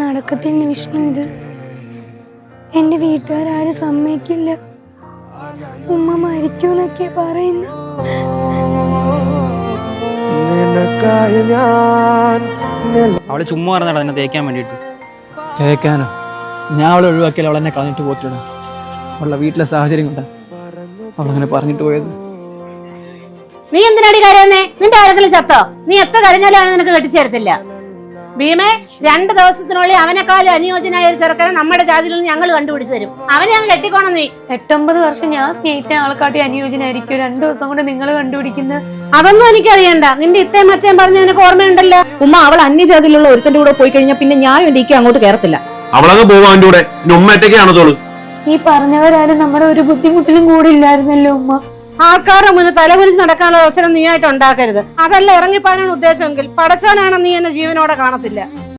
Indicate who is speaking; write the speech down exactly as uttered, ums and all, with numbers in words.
Speaker 1: നടക്കത്തില്ല വിഷ്ണു. ഇത് എന്റെ വീട്ടുകാരും സമ്മതിക്കില്ല. ഉമ്മ മരിക്കൂന്നൊക്കെ പറയുന്നു.
Speaker 2: അവള് ചുമ്മാ പറഞ്ഞാ എന്നെ തേക്കാൻ വേണ്ടിട്ട്.
Speaker 3: തേക്കാനോ? ഞാൻ അവളെ ഒഴിവാക്കിയാൽ അവൾ എന്നെ കളഞ്ഞിട്ട് പോത്തില്ല. അവളുടെ വീട്ടിലെ സാഹചര്യം കൊണ്ടാ അവളങ്ങനെ പറഞ്ഞിട്ട് പോയത്.
Speaker 4: നീ എന്തിനാടി കരയുന്നേ? നിന്റെ ആരെങ്കിലും ചത്തോ? നീ എത്ര കരഞ്ഞാലും അവനെ നിനക്ക് കെട്ടിച്ചേരത്തില്ല. ഭീമേ, രണ്ട് ദിവസത്തിനുള്ളിൽ അവനെക്കാളും അനുയോജ്യനായ ഒരു ചെറുക്കനെ നമ്മുടെ ജാതിയിൽ നിന്ന് ഞങ്ങൾ കണ്ടുപിടിച്ചു തരും. അവനെ അങ്ങ് കെട്ടിക്കോണം നീ.
Speaker 1: എട്ടൊമ്പത് വർഷം ഞാൻ സ്നേഹിച്ച ആൾക്കാട്ടി അനുയോജ്യനായിരിക്കും രണ്ടു ദിവസം കൊണ്ട് നിങ്ങൾ കണ്ടുപിടിക്കുന്നത്.
Speaker 4: അതൊന്നും എനിക്കറിയണ്ട. നിന്റെ ഇത്തേം അച്ഛൻ പറഞ്ഞ നിനക്ക് ഓർമ്മയുണ്ടല്ലോ.
Speaker 5: ഉമ്മ അവൾ അന്യജാതിയിലുള്ള ഒരുത്തന്റെ കൂടെ പോയി കഴിഞ്ഞാൽ പിന്നെ ഞാനും എന്റെ ഇക്ക അങ്ങോട്ട് കയറത്തില്ല.
Speaker 6: അവളങ്ങ് പോവാ അവന്റെ കൂടെ. ഉമ്മറ്റൊക്കെയാണോ തോള്?
Speaker 1: ഈ പറഞ്ഞവരാരും നമ്മുടെ ഒരു ബുദ്ധിമുട്ടിലും കൂടി ഇല്ലായിരുന്നല്ലോ ഉമ്മ.
Speaker 4: ആൾക്കാരുടെ മുന്നിൽ തലകുലിച്ച് നടക്കാനുള്ള അവസരം നീ ആയിട്ട് ഉണ്ടാക്കരുത്. അതല്ല ഇറങ്ങിപ്പാനാണ് ഉദ്ദേശമെങ്കിൽ പടച്ചോനാണ് നീ എന്നെ ജീവനോടെ കാണത്തില്ല.